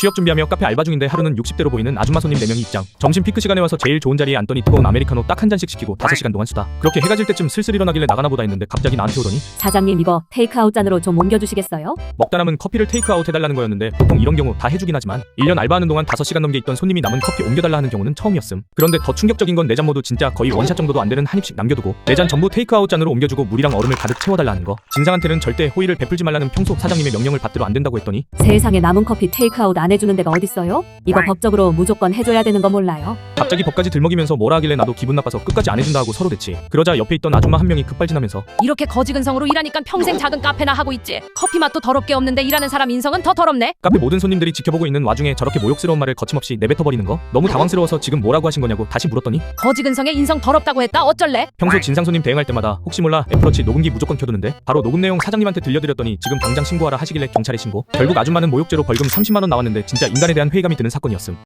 취업 준비하며 카페 알바 중인데 하루는 60대로 보이는 아줌마 손님 4명이 입장. 점심 피크 시간에 와서 제일 좋은 자리에 앉더니 뜨거운 아메리카노 딱 한 잔씩 시키고 5시간 동안 수다. 그렇게 해가 질 때쯤 슬슬 일어나길래 나가나 보다 했는데 갑자기 나한테 오더니 사장님 이거 테이크아웃 잔으로 좀 옮겨주시겠어요? 먹다 남은 커피를 테이크아웃 해달라는 거였는데 보통 이런 경우 다 해주긴 하지만 1년 알바하는 동안 5시간 넘게 있던 손님이 남은 커피 옮겨달라 하는 경우는 처음이었음. 그런데 더 충격적인 건 4잔 모두 진짜 거의 원샷 정도도 안 되는 한 입씩 남겨두고 4잔 전부 테이크아웃 잔으로 옮겨주고 물이랑 얼음을 가득 채워달라 하는 거. 진상한테는 절대 호의를 베풀지 말라는 평소 사장님의 명령을 받들어 안 된다고 했더니 세상에 남은 커피 테이크아웃 안 해주는 데가 어딨어요? 이거 법적으로 무조건 해줘야 되는 거 몰라요? 갑자기 법까지 들먹이면서 뭐라 하길래 나도 기분 나빠서 끝까지 안 해준다 하고 서로 대치. 그러자 옆에 있던 아줌마 한 명이 급발진하면서 이렇게 거지근성으로 일하니까 평생 작은 카페나 하고 있지. 커피 맛도 더럽게 없는데 일하는 사람 인성은 더 더럽네. 카페 모든 손님들이 지켜보고 있는 와중에 저렇게 모욕스러운 말을 거침없이 내뱉어버리는 거 너무 당황스러워서 지금 뭐라고 하신 거냐고 다시 물었더니 거지근성에 인성 더럽다고 했다 어쩔래? 평소 진상 손님 대응할 때마다 혹시 몰라 애플워치 녹음기 무조건 켜두는데 바로 녹음 내용 사장님한테 들려드렸더니 지금 당장 신고하라 하시길래 경찰에 신고. 결국 아줌마는 모욕죄로 벌금 30만 원 나왔는데 진짜 인간에 대한 회의감이 드는 사건이었음.